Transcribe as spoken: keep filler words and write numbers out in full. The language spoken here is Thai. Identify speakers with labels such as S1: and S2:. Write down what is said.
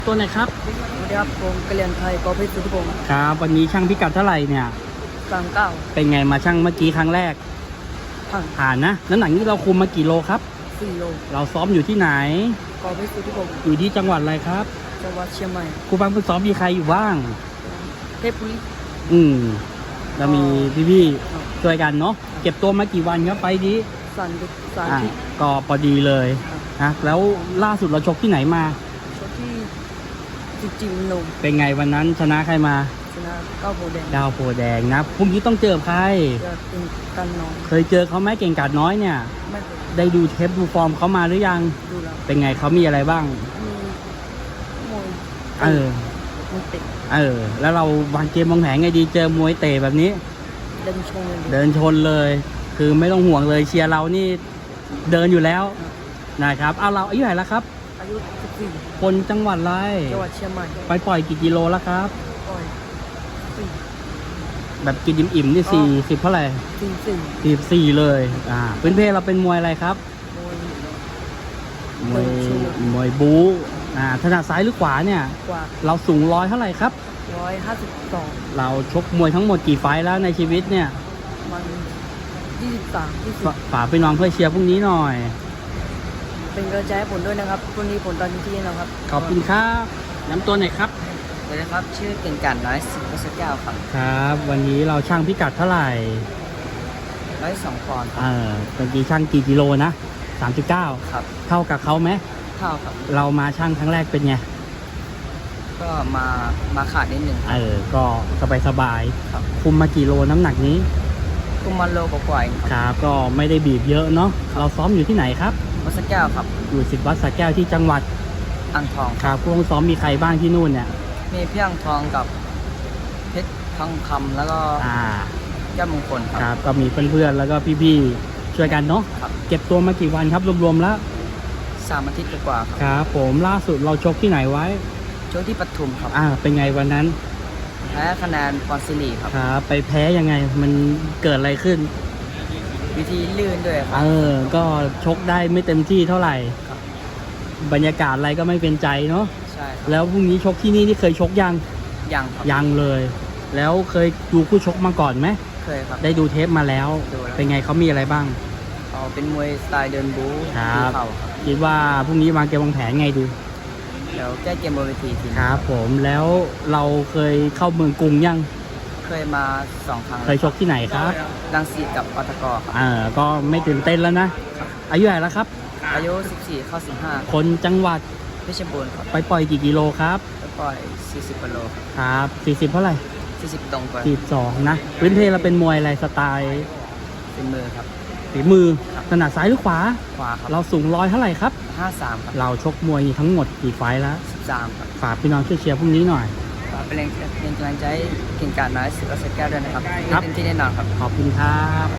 S1: ตัวไหนครับ
S2: สวัสดีครับผมกะเหรี่ยงไทยกอเพชรสุทธิพงศ์
S1: ครับวันนี้ช่างพิกัดเท่าไหร่เนี่ย
S2: สามเก้า
S1: เป็นไงมาช่างเมื่อกี้ครั้งแรก
S2: ผ่าน
S1: ผ่านนะน้ำหนักนี้เราคุมมากี่โลครับ
S2: สี่โล
S1: เราซ้อมอยู่ที่ไหน
S2: กอเพชรสุทธิพงศ์
S1: อยู่ที่จังหวัดอะไรครับ
S2: จังหวัดเชียงใหม่
S1: ครูฟังฝึกซ้อมมีใครอยู่บ้าง
S2: เทพบุรี
S1: อืมเรามีพี่ๆช่วยกันเนาะเก็บตัวมากี่วันครับไปดี
S2: สันดุสาร
S1: อ่ะ
S2: ที่
S1: ก็พอดีเลยนะแล้วล่าสุดเราชกที่ไหนมา
S2: ชกที่จิจิมนม
S1: เป็นไงวันนั้นชนะใครมา
S2: ชนะเก้าโพแดง
S1: ดาวโพแดงนะพรุ่งนี้ต้องเจอใคร
S2: จะเป็นกันน้อง
S1: เคยเจอเขาไหมเก่งกาจน้อยเนี่ย
S2: ไม่เคย
S1: ได้ดูเทปดูฟอร์มเขามาหรือยัง
S2: ดูแล้ว
S1: เป็นไงเขามีอะไรบ้าง
S2: มีมวย
S1: เออ
S2: มวยเตะ
S1: เออแล้วเราวางเกมวางแผนไงดีเจอมวยเตะแบบนี้
S2: เดินชนเลย
S1: เดินชนเลยคือไม่ต้องห่วงเลยเชียร์เรานี่เดินอยู่แล้วนะครับเอาเราอายุเท่าไหร่แล้วครับ
S2: อายุสิบสี่
S1: คนจังหวัดอะไร
S2: จังหวัดเชียงใหม่
S1: ไปปล่อยกี่กิโลแล้วครับ
S2: ปล่อยสี่
S1: แบบกินอิ่มๆนี่สี่สิบเท่าไหร่
S2: สี่สี่
S1: สี่สี่เลยอ่าพื้นเพเราเป็นมวยอะไรครับ
S2: มวย
S1: มวยมวยบู๊อ่าถนัดซ้ายหรือขวาเนี่ย
S2: กว่า
S1: เราสูงร้อยเท่าไหร่ครับ
S2: ร้อยห้าสิบสอง
S1: เราชกมวยทั้งหมดกี่ไฟท์แล้วในชีวิตเนี่ย
S2: มันยี่สิบสามยี่สิบ
S1: ฝากไปน้องเพื่อเชียร์พรุ่งนี้หน่อย
S2: เป็นกระจายผลด้วยนะครับพรุ่งนี้ผลตอนที่นะครับ
S1: ขอบคุณครับน้ำตัวไหนครับ
S2: สวัสดีครับชื่อเก่งกันน้อยสิบเปอร์เซ็นต์เก้าครับ
S1: ครับวันนี้เราช่างพิกัดเท่าไหร่
S2: ร้อยสองปอนด์
S1: เออเมื่อกี้ช่างกี่กิโลนะสามสิบเก้า
S2: ครับ
S1: เท่ากับเขาไหม
S2: เท่าครับ
S1: เรามาช่างครั้งแรกเป็นไง
S2: ก็มามาขาดนิดหนึ่ง
S1: เออก็สบายสบายคุมมากี่โลน้ำหนักนี้
S2: คุมมาโลกว่า
S1: ๆครับก็ไม่ได้บีบเยอะเนาะเราซ้อมอยู่ที่ไหนครับ
S2: วัดสระแก้วครับ
S1: อยู่สิบวัดสระแก้วที่จังหวัด
S2: อ่างทอง
S1: ครับพวกซ้อมมีใครบ้างที่นู่นเนี่ย
S2: มีเพียงทองกับเพชรทองคำแล้วก็
S1: อ่า
S2: แก้วมงคล
S1: ครับก็มีเพื่อนๆแล้วก็พี่ๆช่วยกันเนาะเก็บตัวมากี่วันครับรวมๆแล้ว
S2: สามอาทิตย์กว่าครับ
S1: ครับผมล่าสุดเราชกที่ไหนไว้
S2: ชกที่ปทุมครับ
S1: อ่าเป็นไงวันนั้น
S2: แพ้คะแนนปอนซิลีครับ
S1: ครับไปแพ้ยังไงมันเกิดอะไรขึ้น
S2: วิธีลื่นด้วยครับ
S1: เออก็ชกได้ไม่เต็มที่เท่าไหร่บรรยากาศอะไรก็ไม่เป็นใจเนาะ
S2: ใช่
S1: แล้วพรุ่งนี้ชกที่นี่ที่เคยชกยัง
S2: ยังครับ
S1: ยังเลยแล้วเคยดูคู่ชกมาก่อนไหม
S2: เคยครับ
S1: ได้ดูเทปมาแล้วเป็นไงเขามีอะไรบ้าง
S2: อ๋อเป็นมวยสไตล์เดินบู๊
S1: ครับคิดว่าพรุ่งนี้วางเกมวางแผนไงดี
S2: เดี๋ยวแก้เกมบนเวทีที
S1: ครับผมแล้วเราเคยเข้าเมืองกรุงยัง
S2: เคยมาสองครั้ง
S1: เคยชกที่ไหนครับ
S2: รังสิตกับปตกครับ
S1: อ่าก็ไม่ตื่นเต้นแล้วนะอายุเท่าไหร่แล้วครับ
S2: อายุสิบสี่เข้าสิบห้า
S1: คนจังหวัด
S2: เพชรบูรณ์ครับ
S1: ไปปล่อยกี่กิโลครับ
S2: ไปปล่อยสี่สิบกิโล
S1: ครับสี่สิบเท่าไหร่
S2: สี่สิบตรงไป
S1: สี่สิบสองนะพื้นเพเราเป็นมวยอะไรสไตล์
S2: เป็นมือครับ
S1: ฝีมือถนัดซ้ายหรือขวา
S2: ขวาครับ
S1: เราสูงร้อยเท่าไหร่ครับ
S2: ห้าสิบสามครับ
S1: เราชกมวยทั้งหมดกี่ไฟล์แล้ว
S2: สิบสามครับ
S1: ฝากพี่น้องช่วยเชียร์พรุ่งนี้หน่อย
S2: ฝากเป็นแรงเป็นกำลังใจเก่งกาจน้อยสิบเปอร์เซ็นต์แก้วด้วยนะครับเต็มที่แน่นอนครับ
S1: ขอบคุณครับ